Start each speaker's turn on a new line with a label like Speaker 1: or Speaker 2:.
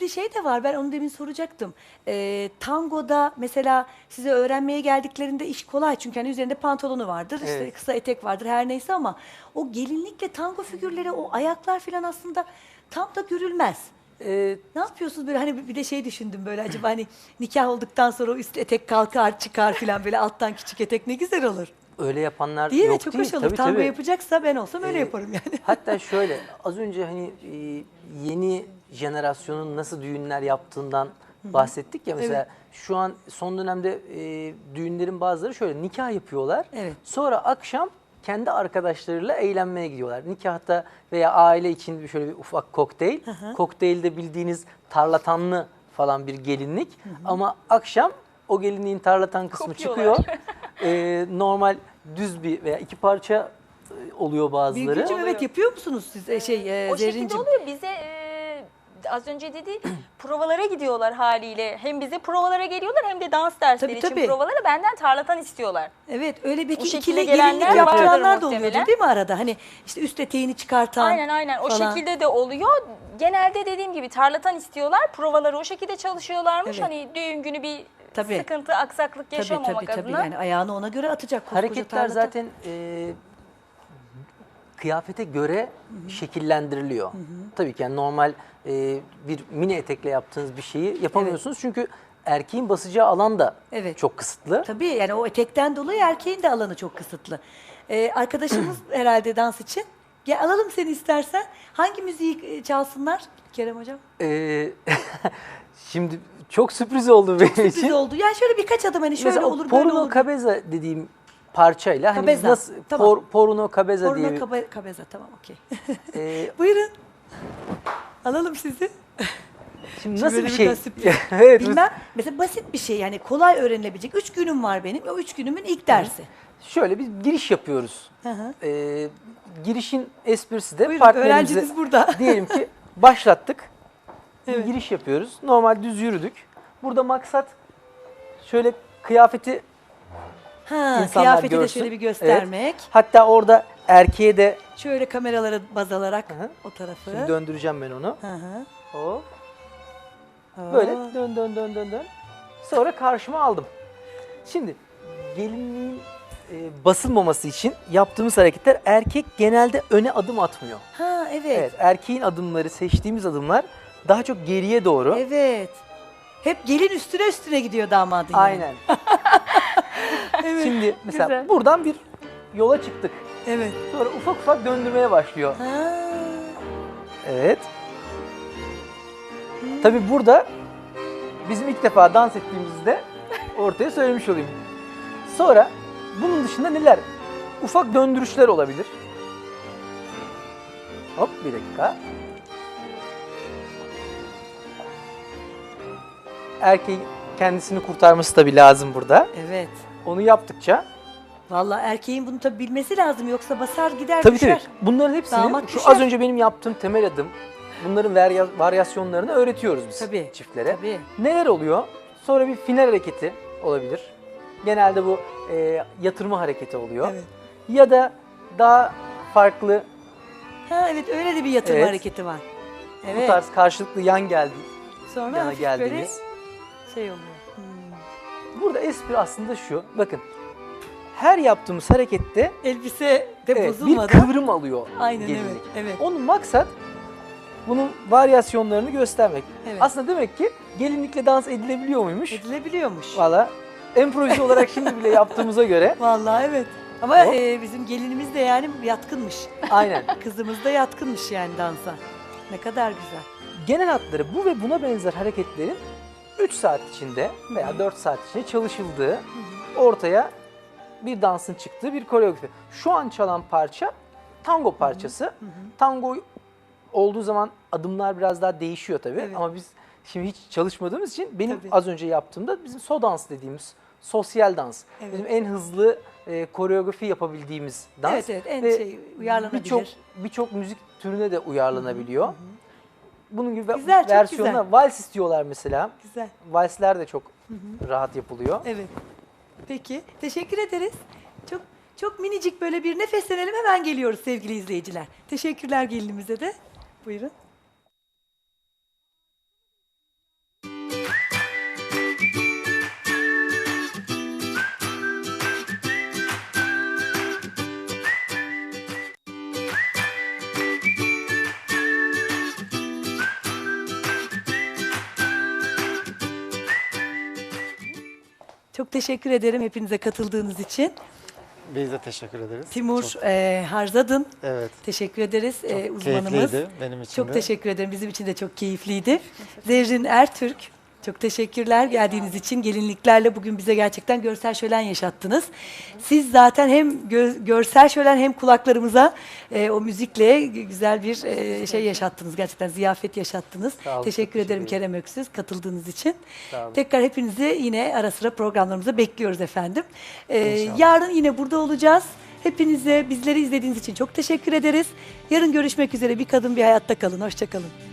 Speaker 1: şimdi şey de var, ben onu demin soracaktım. Tangoda mesela size öğrenmeye geldiklerinde iş kolay çünkü hani üzerinde pantolonu vardır, işte
Speaker 2: Evet.
Speaker 1: kısa etek vardır her neyse ama o gelinlikle tango figürleri, o ayaklar falan aslında tam da görülmez.
Speaker 2: Ee,
Speaker 1: Ne yapıyorsunuz böyle, hani bir de şey düşündüm böyle, acaba hani nikah olduktan sonra o üst etek kalkar çıkar falan, böyle alttan küçük etek ne güzel olur.
Speaker 2: Öyle yapanlar
Speaker 1: Değil mi?
Speaker 2: yok
Speaker 1: Çok
Speaker 2: değil.
Speaker 1: hoş olur.
Speaker 2: Tabii
Speaker 1: Tango
Speaker 2: tabii.
Speaker 1: yapacaksa ben olsam öyle
Speaker 2: Ee,
Speaker 1: yaparım yani.
Speaker 2: Hatta şöyle az önce hani yeni jenerasyonun nasıl düğünler yaptığından bahsettik ya, mesela
Speaker 1: Evet.
Speaker 2: şu an son dönemde düğünlerin bazıları şöyle nikah yapıyorlar.
Speaker 1: Evet.
Speaker 2: Sonra akşam kendi arkadaşlarıyla eğlenmeye gidiyorlar. Nikahta veya aile için şöyle bir ufak kokteyl. Kokteylde bildiğiniz tarlatanlı falan bir gelinlik. Ama akşam o gelinliğin tarlatan kısmı
Speaker 3: Kopuyorlar.
Speaker 2: çıkıyor. Normal düz bir veya iki parça oluyor bazıları.
Speaker 1: Birgülcüm, evet, yapıyor musunuz siz?
Speaker 3: O şekilde
Speaker 1: Zerrin'cim.
Speaker 3: oluyor. Bize az önce dedi provalara gidiyorlar haliyle. Hem bize provalara geliyorlar hem de dans dersleri
Speaker 1: Tabii,
Speaker 3: için
Speaker 1: tabii.
Speaker 3: provalara benden tarlatan istiyorlar.
Speaker 1: Evet, öyle belki
Speaker 3: O şekilde
Speaker 1: ikili
Speaker 3: gelenler
Speaker 1: gelinlik
Speaker 2: vardır
Speaker 1: yaptıranlar da oluyordur
Speaker 3: muhtemelen.
Speaker 1: değil mi arada? Hani işte üst eteğini çıkartan
Speaker 3: Aynen o
Speaker 1: falan.
Speaker 3: şekilde de oluyor. Genelde dediğim gibi tarlatan istiyorlar. Provaları o şekilde çalışıyorlarmış.
Speaker 1: Evet.
Speaker 3: Hani düğün günü bir
Speaker 1: Tabii.
Speaker 3: sıkıntı, aksaklık
Speaker 1: Tabii
Speaker 3: yaşamamak
Speaker 1: tabii tabii,
Speaker 3: adına.
Speaker 1: yani ayağını ona göre atacak koskoca
Speaker 2: Hareketler
Speaker 1: tarlata.
Speaker 2: zaten kıyafete göre şekillendiriliyor. Tabii ki yani normal bir mini etekle yaptığınız bir şeyi yapamıyorsunuz. Çünkü erkeğin basacağı alan da
Speaker 1: Evet.
Speaker 2: çok kısıtlı.
Speaker 1: Tabii, yani o etekten dolayı erkeğin de alanı çok kısıtlı. Arkadaşımız herhalde dans için. Gel alalım seni istersen. Hangi müziği çalsınlar Kerem Hocam?
Speaker 2: E, Şimdi çok sürpriz oldu benim
Speaker 1: Sürpriz
Speaker 2: için.
Speaker 1: oldu. Yani şöyle birkaç adım, hani şöyle
Speaker 2: Mesela o
Speaker 1: olur böyle
Speaker 2: Porno
Speaker 1: olur.
Speaker 2: Cabeza dediğim parçayla hani biz
Speaker 1: Cabeza,
Speaker 2: nasıl
Speaker 1: tamam.
Speaker 2: Porno Cabeza diye
Speaker 1: Porno
Speaker 2: bir
Speaker 1: kabeza, tamam, okey.
Speaker 2: e,
Speaker 1: Buyurun. Alalım sizi.
Speaker 2: şimdi nasıl
Speaker 1: böyle
Speaker 2: bir
Speaker 1: bir
Speaker 2: şey?
Speaker 1: daha sürpriz.
Speaker 2: Evet.
Speaker 1: Bilmem. Mesela basit bir şey, yani kolay öğrenilebilecek. 3 günüm var benim. O 3 günümün ilk dersi.
Speaker 2: Şöyle bir giriş yapıyoruz.
Speaker 1: Hı hı.
Speaker 2: Girişin esprisi de
Speaker 1: Buyurun,
Speaker 2: partnerimize
Speaker 1: öğrenciniz burada.
Speaker 2: diyelim ki başlattık.
Speaker 1: Evet.
Speaker 2: Bir giriş yapıyoruz. Normal düz yürüdük. Burada maksat şöyle kıyafeti
Speaker 1: Ha,
Speaker 2: insanlar
Speaker 1: kıyafeti de
Speaker 2: görsün.
Speaker 1: şöyle bir
Speaker 2: Evet.
Speaker 1: göstermek.
Speaker 2: Hatta orada erkeğe de
Speaker 1: Şöyle kameralara baz alarak
Speaker 2: hı.
Speaker 1: o tarafı.
Speaker 2: şimdi döndüreceğim ben onu.
Speaker 1: Hı hı.
Speaker 2: Hop.
Speaker 1: Aa.
Speaker 2: Böyle dön. Sonra karşıma aldım. Şimdi gelinliğin basılmaması için yaptığımız hareketler, erkek genelde öne adım atmıyor.
Speaker 1: Ha, evet.
Speaker 2: Evet, erkeğin adımları, seçtiğimiz adımlar daha çok geriye doğru.
Speaker 1: Evet. Hep gelin üstüne üstüne gidiyor damadın yani.
Speaker 2: Aynen. Şimdi mesela
Speaker 3: Güzel.
Speaker 2: buradan bir yola çıktık.
Speaker 1: Evet.
Speaker 2: Sonra ufak ufak döndürmeye başlıyor.
Speaker 1: Ha.
Speaker 2: Evet. Tabii burada bizim ilk defa dans ettiğimizde ortaya söylemiş olayım. Sonra bunun dışında neler? Ufak döndürüşler olabilir. Hop, bir dakika. Erkeğin kendisini kurtarması tabii lazım burada.
Speaker 1: Evet.
Speaker 2: Onu yaptıkça
Speaker 1: Vallahi erkeğin bunu tabii bilmesi lazım, yoksa basar gider
Speaker 2: tabii
Speaker 1: düşer.
Speaker 2: bunların hepsini
Speaker 1: Damat
Speaker 2: şu
Speaker 1: düşer.
Speaker 2: az önce benim yaptığım temel adım, bunların varyasyonlarını öğretiyoruz biz
Speaker 1: Tabii,
Speaker 2: çiftlere.
Speaker 1: tabii.
Speaker 2: Neler oluyor? Sonra bir final hareketi olabilir. Genelde bu yatırma hareketi oluyor.
Speaker 1: Evet.
Speaker 2: Ya da daha farklı
Speaker 1: Ha, evet, öyle de bir yatırma
Speaker 2: Evet.
Speaker 1: hareketi var.
Speaker 2: bu
Speaker 1: Evet.
Speaker 2: tarz karşılıklı yan geldi.
Speaker 1: Sonra
Speaker 2: yana
Speaker 1: hafif böyle
Speaker 2: geldiğimiz.
Speaker 1: şey oluyor. Hmm.
Speaker 2: Burada espri aslında şu. Bakın, her yaptığımız harekette
Speaker 1: Elbise de
Speaker 2: bir
Speaker 1: bozulmadan.
Speaker 2: kıvrım alıyor
Speaker 1: Aynen,
Speaker 2: gelinlik.
Speaker 1: evet, evet.
Speaker 2: Onun maksat bunun varyasyonlarını göstermek.
Speaker 1: Evet.
Speaker 2: Aslında demek ki gelinlikle dans edilebiliyor muymuş?
Speaker 1: Edilebiliyormuş.
Speaker 2: Valla improvize olarak şimdi bile yaptığımıza göre
Speaker 1: Vallahi evet. ama
Speaker 2: Hop.
Speaker 1: bizim gelinimiz de yani yatkınmış.
Speaker 2: aynen.
Speaker 1: Kızımız da yatkınmış yani dansa. Ne kadar güzel.
Speaker 2: Genel hatları bu ve buna benzer hareketlerin 3 saat içinde veya 4 saat içinde çalışıldığı, ortaya bir dansın çıktığı bir koreografi. Şu an çalan parça tango parçası. Tango olduğu zaman adımlar biraz daha değişiyor tabii.
Speaker 1: Evet.
Speaker 2: Ama biz şimdi hiç çalışmadığımız için benim
Speaker 1: Tabii.
Speaker 2: az önce yaptığımda bizim so dans dediğimiz sosyal dans.
Speaker 1: Evet.
Speaker 2: Bizim en hızlı koreografi yapabildiğimiz dans.
Speaker 1: Evet, evet, en
Speaker 2: Ve
Speaker 1: şey, uyarlanabilir.
Speaker 2: Birçok müzik türüne de uyarlanabiliyor. Bunun gibi
Speaker 1: Güzel, çok
Speaker 2: versiyonlar,
Speaker 1: güzel.
Speaker 2: vals istiyorlar mesela.
Speaker 1: Güzel.
Speaker 2: Valsler de çok rahat yapılıyor.
Speaker 1: Evet. Peki, teşekkür ederiz. Çok çok minicik böyle bir nefeslenelim, hemen geliyoruz sevgili izleyiciler. Teşekkürler gelinimize de. Buyurun. Çok teşekkür ederim hepinize katıldığınız için.
Speaker 4: Biz de teşekkür ederiz.
Speaker 1: Timur
Speaker 4: Çok-
Speaker 1: Harzadın.
Speaker 4: evet.
Speaker 1: Teşekkür ederiz
Speaker 4: Çok
Speaker 1: uzmanımız.
Speaker 4: keyifliydi benim için
Speaker 1: Çok
Speaker 4: de.
Speaker 1: teşekkür ederim. Bizim için de çok keyifliydi. Zerrin Ertürk. Çok teşekkürler geldiğiniz için. Gelinliklerle bugün bize gerçekten görsel şölen yaşattınız. Siz zaten hem görsel şölen hem kulaklarımıza o müzikle güzel bir şey yaşattınız. Gerçekten ziyafet yaşattınız.
Speaker 2: Sağ olun,
Speaker 1: Teşekkür
Speaker 2: çok teşekkür
Speaker 1: ederim
Speaker 2: ederim.
Speaker 1: Kerem Öksüz katıldığınız için.
Speaker 2: Sağ olun.
Speaker 1: Tekrar hepinizi yine ara sıra programlarımıza bekliyoruz efendim.
Speaker 2: İnşallah.
Speaker 1: Yarın yine burada olacağız. Hepinize bizleri izlediğiniz için çok teşekkür ederiz. Yarın görüşmek üzere. Bir kadın bir hayatta kalın. Hoşça kalın.